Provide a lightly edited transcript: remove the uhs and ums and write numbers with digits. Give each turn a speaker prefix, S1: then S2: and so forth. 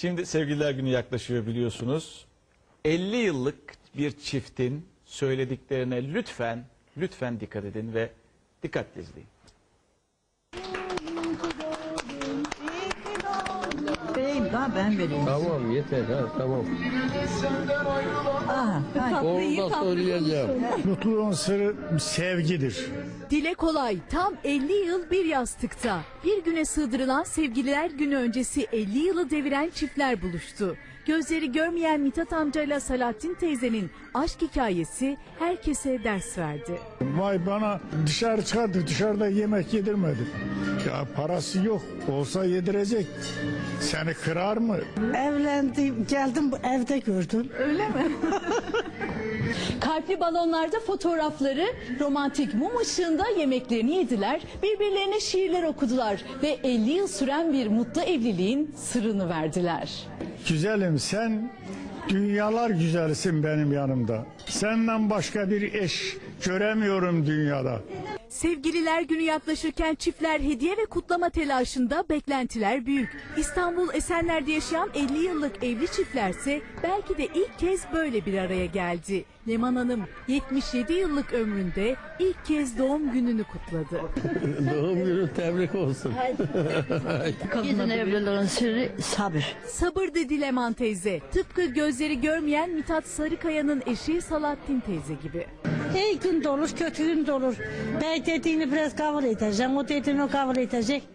S1: Şimdi Sevgililer Günü yaklaşıyor biliyorsunuz. 50 yıllık bir çiftin söylediklerine lütfen dikkat edin ve dikkatle izleyin.
S2: Vereyim daha ben vereyim.
S3: Tamam yeter ha tamam. Onu da söyleyeceğim.
S4: Mutluluğun sırrı sevgidir.
S5: Dile kolay tam 50 yıl bir yastıkta. Bir güne sığdırılan Sevgililer Günü öncesi 50 yılı deviren çiftler buluştu. Gözleri görmeyen Mithat amcayla Salahattin teyzenin aşk hikayesi herkese ders verdi.
S4: Vay bana dışarı çıkardı, dışarıda yemek yedirmedi. Ya parası yok, olsa yedirecek. Seni kırar mı?
S2: Evlendim, geldim bu evde gördüm. Öyle mi?
S5: Kalpli balonlarda fotoğrafları, romantik mum ışığında yemeklerini yediler, birbirlerine şiirler okudular ve 50 yıl süren bir mutlu evliliğin sırrını verdiler.
S4: Güzelim sen dünyalar güzelsin benim yanımda. Senden başka bir eş göremiyorum dünyada.
S5: Sevgililer Günü yaklaşırken çiftler hediye ve kutlama telaşında, beklentiler büyük. İstanbul Esenler'de yaşayan 50 yıllık evli çiftlerse belki de ilk kez böyle bir araya geldi. Leman Hanım 77 yıllık ömründe ilk kez doğum gününü kutladı.
S3: Doğum günü tebrik olsun.
S2: Kadın evliliğin sırrı sabır.
S5: Sabır dedi Leman teyze. Tıpkı gözleri görmeyen Mithat Sarıkaya'nın eşi Salahattin teyze gibi.
S6: İyi gün de olur, kötü gün de olur. Bey dediğini biraz kabul edeceksin, o dediğini o kabul edecek.